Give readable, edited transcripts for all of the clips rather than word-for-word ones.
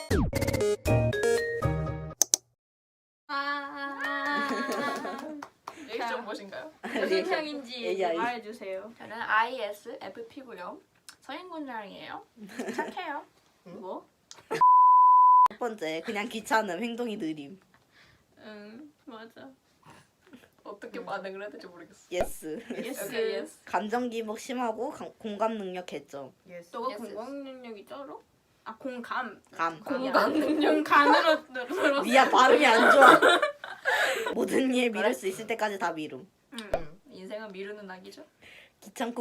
리액션 무엇인가요? 무슨 향인지 AI. 말해주세요. 저는 ISFP고요. 서인군장이에요. 착해요. 뭐? 첫 번째, 그냥 귀찮음, 행동이 느림. 응 맞아. 어떻게 반응을 해야 될지 모르겠어. 예스. 예스. 오케이, 예스. 감정 기복 심하고 공감 능력 개점. 너가 예스. 공감 능력이 쩔어? 아 공감. 감. 공감 능력. 공감으로 들었어. 미야 발음이 안 좋아. 모든 일 미룰 수 있을 때까지 다 미룸. 응. 인생은 미루는 낙이죠. 귀찮고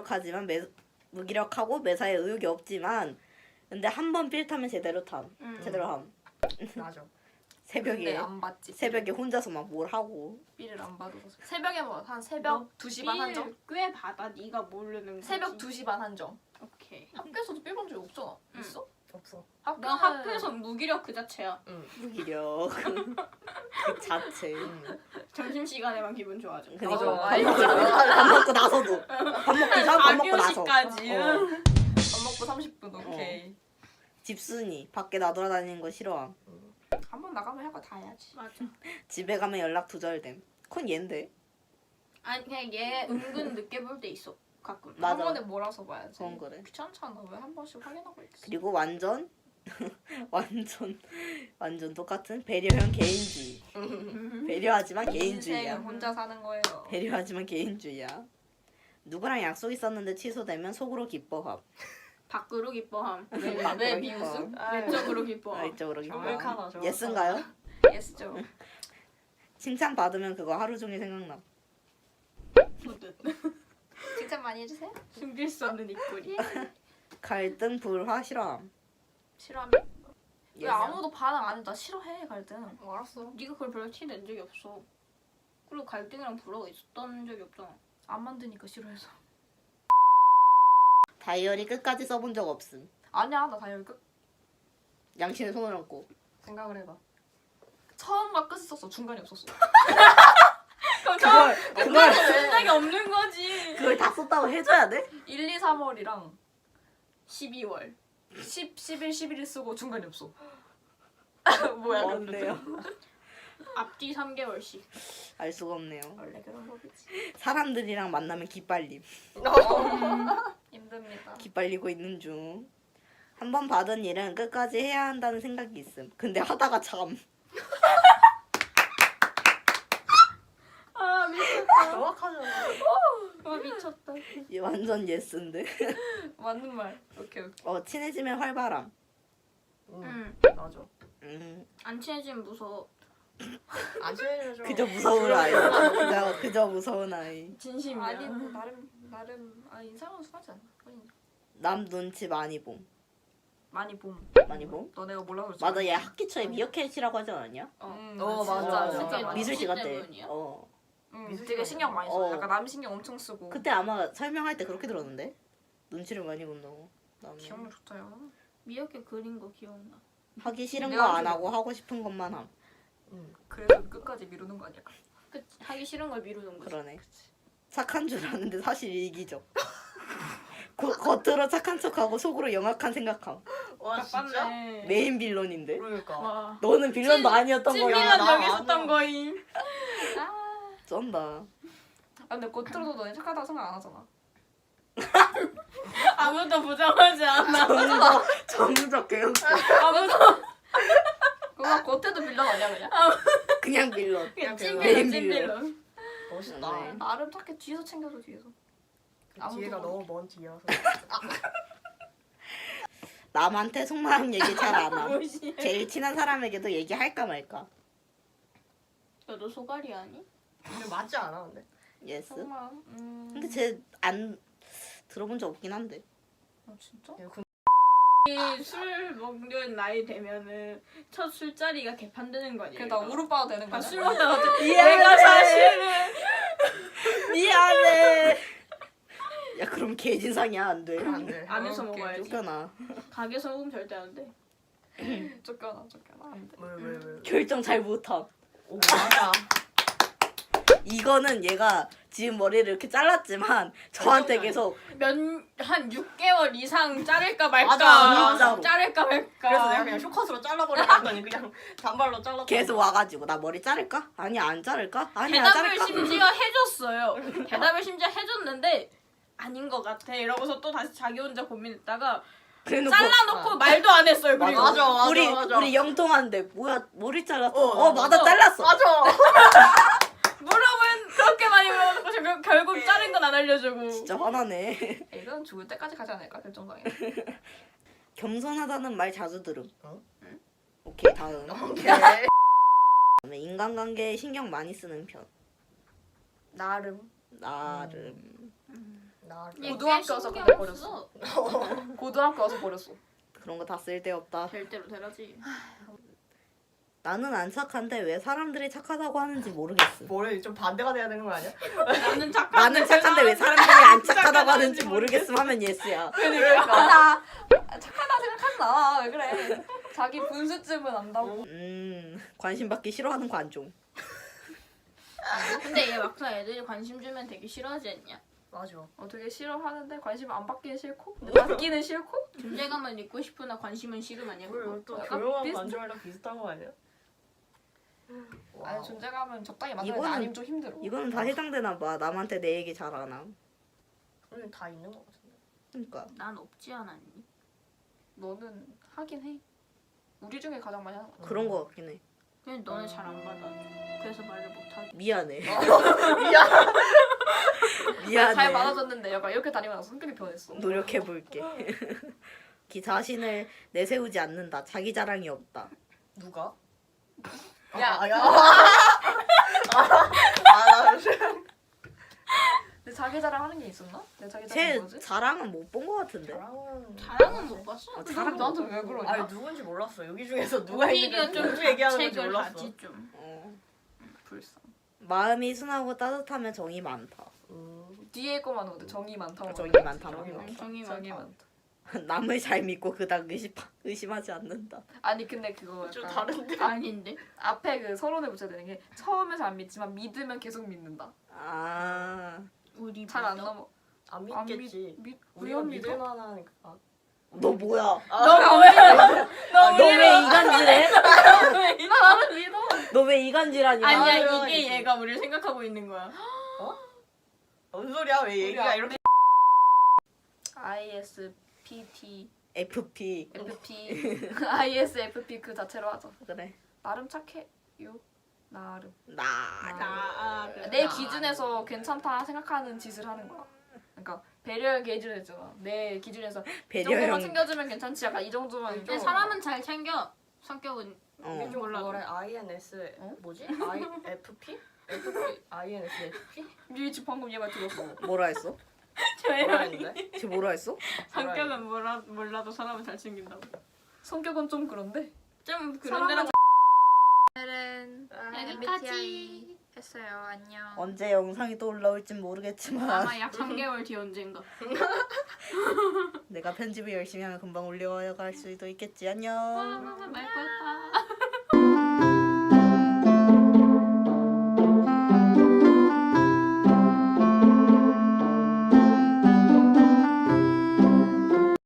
무기력하고 매사에 의욕이 없지만 근데 한 번 필 타면 제대로 함. 제대로 함. 맞아. 근데 새벽에 안 받지. 새벽에 혼자서 막 뭘 하고. 삐를 안 받아서. 새벽에 뭐 한 새벽 2시 반 한정? 꽤 받아. 네가 모르는 거지. 새벽 2시 반 한정. 오케이. 학교에서도 삐 본 적 없잖아. 응. 있어? 없어. 난 학교에서 무기력 그 자체야. 무기력. 그 자체. 점심 시간에만 기분 좋아져. 그니까 어, 밥 먹고 나서도. 밥 먹기 전, 밥 먹고 나서. 4교시까지. 어. 밥 먹고 30분 오케이. 집순이. 밖에 나돌아다니는 거 싫어함. 한 번 나가면 할 거 다 해야지. 맞아. 집에 가면 연락 두절됨. 그건 얘인데. 아니 그냥 얘 은근 늦게 볼 때 있어. 가끔. 맞아. 한 번에 몰아서 봐야지. 그건 그래. 귀찮잖아. 왜 한 번씩 확인하고 있어. 그리고 완전 완전 똑같은 배려형 개인주의. 배려하지만 개인주의야. 인생은 혼자 사는 거예요. 배려하지만 개인주의야. 누구랑 약속 있었는데 취소되면 속으로 기뻐함. 밖으로 기뻐함. 밖으로 왜 기뻐함. 비웃음? 외적으로 기뻐함. 이쪽으로 기뻐함. 정확하다, 정확하다. 예스인가요? 예스죠. 칭찬 받으면 그거 하루 종일 생각나. 좋듯. 칭찬 많이 해주세요. 숨길 수 없는 입꼬리. 갈등 불화 싫어함. 싫어하면 왜 예스. 아무도 반응 안 해? 나 싫어해 갈등. 알았어. 네가 그걸 별로 티 낸 적이 없어. 그리고 갈등이랑 불화가 있었던 적이 없잖아. 안 만드니까 싫어해서. 다이어리 끝까지 써본 적 없음. 아니야 나 다이어리 끝 양심에 손을 얹고. 생각을 해봐. 처음과 끝 썼어. 중간이 없었어. 그걸 생각이 없는 거지. 그걸 다 썼다고 해줘야 돼? 1, 2, 3월이랑 12월. 10, 11, 11일 쓰고 중간이 없어. 뭐야 뭔데요? 앞뒤 3개월씩. 알 수가 없네요. 원래 그런 거겠지. 사람들이랑 만나면 기빨림. 힘듭니다. 기빨리고 있는 중. 한 번 받은 일은 끝까지 해야 한다는 생각이 있음. 근데 하다가 참. 아 미쳤다. 정확하잖아. 아 미쳤다. 얘 완전 예스인데. 맞는 말. 오케이. 친해지면 활발함. 응. 맞아. 안 친해지면 무서워. 안 친해져. 그저 무서운 아이. 그저 무서운 아이. 진심이야. 아니 뭐 나름 인상은 순하지 않아. 남 눈치 많이 봄. 많이 봄. 많이 봄? 너네가 몰라서 그렇지. 맞아, 얘 학기 초에 미어캣이라고 하지 않았냐? 맞아. 진짜 미술씨 같아. 때문이야? 되게 신경 많이 써. 약간 남 신경 엄청 쓰고. 그때 아마 설명할 때 그렇게 들었는데. 눈치를 많이 본다고. 기억력 좋다요. 미역게 그린 거 기억나. 하기 싫은 거 내가 안 하고 하고 싶은 것만 함. 그래서 끝까지 미루는 거 아니야? 그치. 하기 싫은 걸 미루는 거지. 그러네. 착한 줄 아는데 사실 이기적. 겉으로 착한 척하고 속으로 영악한 생각함. 와 진짜? 나빴네. 메인 빌런인데. 그러니까. 와. 너는 빌런도 아니었던 거야. 찐밀한 나 여기 있었던 아니야. 거임. 쩐다. 아 근데 겉으로도 너네 착하다고 생각 안 하잖아. 아무도 부정하지 않아. 정적 개혁수. 아무도 그거 겉에도 빌런 아니야 그냥? 그냥 빌런. 그냥 메인 찐밀런 찐밀런. 멋있다. 네. 나름 착해. 뒤에서 챙겨줘 뒤에서. 아무도 뒤에가 모르게. 너무 먼 뒤여서. 남한테 속마음 얘기 잘 안 함. 무시해. 제일 친한 사람에게도 얘기할까 말까. 너도 소갈이 아니? 근데 맞지 않아 근데? 예스. 정말. 근데 쟤 안 들어본 적 없긴 한데. 진짜? 술 먹는 나이 되면은 첫 술자리가 개판되는 거 아니야? 그래 나 우르빠도 되는 거야. 술 먹다가 미안해. 내가 사실은 미안해. 야 그럼 개진상이야 안 돼. 안 돼. 안에서 오케이. 먹어야지. 쫓겨나. 가게에서 먹으면 절대 안 돼. 쫓겨나 안 돼. 왜? 결정 잘 못함. 오 맞아. 이거는 얘가 지금 머리를 이렇게 잘랐지만 저한테 계속 한 6개월 이상 자를까 말까. 맞아, 진짜로. 자를까 말까. 그래서 내가 그냥 쇼컷으로 잘라버리려 했더니 그냥 단발로 잘랐다. 계속 와가지고 나 머리 자를까? 아니 안 자를까? 아니 안 대답을 자를까? 심지어 해줬어요. 대답을 심지어 해줬는데 아닌 것 같아. 이러고서 또 다시 자기 혼자 고민했다가 그래놓고 잘라놓고 말도 안 했어요. 그리고 맞아. 우리 영통한데 뭐야 머리 잘랐어? 어, 맞아 맞아. 잘랐어. 맞아. 물어보면 그렇게 많이 물어보고 결국 자른 건 안 알려주고. 진짜 화나네. 이건 죽을 때까지 가지 않을까 결정장애. 겸손하다는 말 자주 들음. 어? 오케이 다음. 오케이. 그다음에 인간관계에 신경 많이 쓰는 편. 나름. 나름. 나 얘 고등학교 꽤 와서 신경 그래 버렸어. 써. 고등학교 와서 버렸어. 그런 거 다 쓸데없다. 될 대로 되라지. 나는 안 착한데 왜 사람들이 착하다고 하는지 모르겠음. 뭐래 좀 반대가 돼야 되는 거 아니야? 나는 착한데 왜 사람들이 안 착하다고 하는지 모르겠음 하면 예스야. 맞아. 착하다 생각하지 마. 왜 그래? 자기 분수쯤은 안다고. 관심 받기 싫어하는 관종. 근데 얘 막상 애들이 관심 주면 되게 싫어하지 않냐? 맞아. 되게 싫어하는데 관심 안 받기는 싫고 근데 받기는 싫고. 존재감은 있고 싶으나 관심은 싫음 아니야? 그걸 또 약간 조용한 비슷- 관종이랑 비슷한 거 아니야? 아니 존재감은 적당히 만드는 이거는- 아니면 좀 힘들어. 이거는 다 해당되나 봐. 남한테 내 얘기 잘 안 함. 우리는 다 있는 거 같은데. 그러니까 난 없지 않았니? 너는 하긴 해. 우리 중에 가장 많이 하는 거 같아. 그런 거 같긴 해. 그냥 너는 잘 안 받아. 그래서 말을 못하지. 미안해. 미안. 미안해. 잘 받아줬는데 약간 이렇게 다니면 성격이 변했어. 노력해볼게. 기 자신을 내세우지 않는다. 자기 자랑이 없다. 누가? 야. 야. 나 내 자기 자랑하는 게 있었나? 내 자기 자랑 제 뭐지? 자랑은 못 본 거 같은데. 자랑은 못 봤어. 자랑 나한테 왜 그러냐? 아니 누군지 몰랐어. 여기 중에서 누가 오히려 있는지 좀 누구 얘기하는 건지 자책을 몰랐어. 하지 좀. 불쌍. 마음이 순하고 따뜻하면 정이 많다. 뒤에 거만 오는데 정이 많다고. 정이 말해. 많다. 정이 많다. 정이 정이 많다. 많다. 남을 잘 믿고 그닥 의심하지 않는다. 아니 근데 그거 좀 약간 다른데. 아닌데? 앞에 그 서론에 붙여야 되는 게 처음에 잘 안 믿지만 믿으면 계속 믿는다. 아, 우리 잘 안 믿어? 넘어. 안 안 믿겠지. 믿 우리가 우연 믿을 믿어? 만한 너 뭐야? 너 오히려 너 왜 이간질해? 나는 믿어. 너 왜 이간질하냐? 아니야 맞아요, 이게 이게. 얘가 우리를 생각하고 있는 거야. 뭔 소리야? 왜 얘기가 우리 이렇게 ISPT FP FP ISFP 그 자체로 하자. 그래. 나름 착해요. 나름. 그래. 내 기준에서 괜찮다 생각하는 짓을 하는 거야. 그러니까 배려의 기준이 있잖아. 내 기준에서 이 정도만 배려형. 챙겨주면 괜찮지. 약간 이 정도만. 근데 사람은 잘 챙겨. 성격은 어. 좀 몰라. 뭐래? INS 어? 뭐지? IFP? FP? INSFP? 니 지금 방금 얘 말 들었어. 뭐라 했어? 뭐라 저희랑 했는데? 쟤 뭐라 했어? 성격은 몰라도 사람은 잘 챙긴다고. 성격은 좀 그런데. 좀 그런 데랑 오늘은 여기까지 했어요. 안녕. 언제 영상이 또 올라올진 모르겠지만 아마 약 3개월 뒤 언젠가. 내가 편집을 열심히 하면 금방 올려갈 수도 있겠지. 안녕. 말 거였다.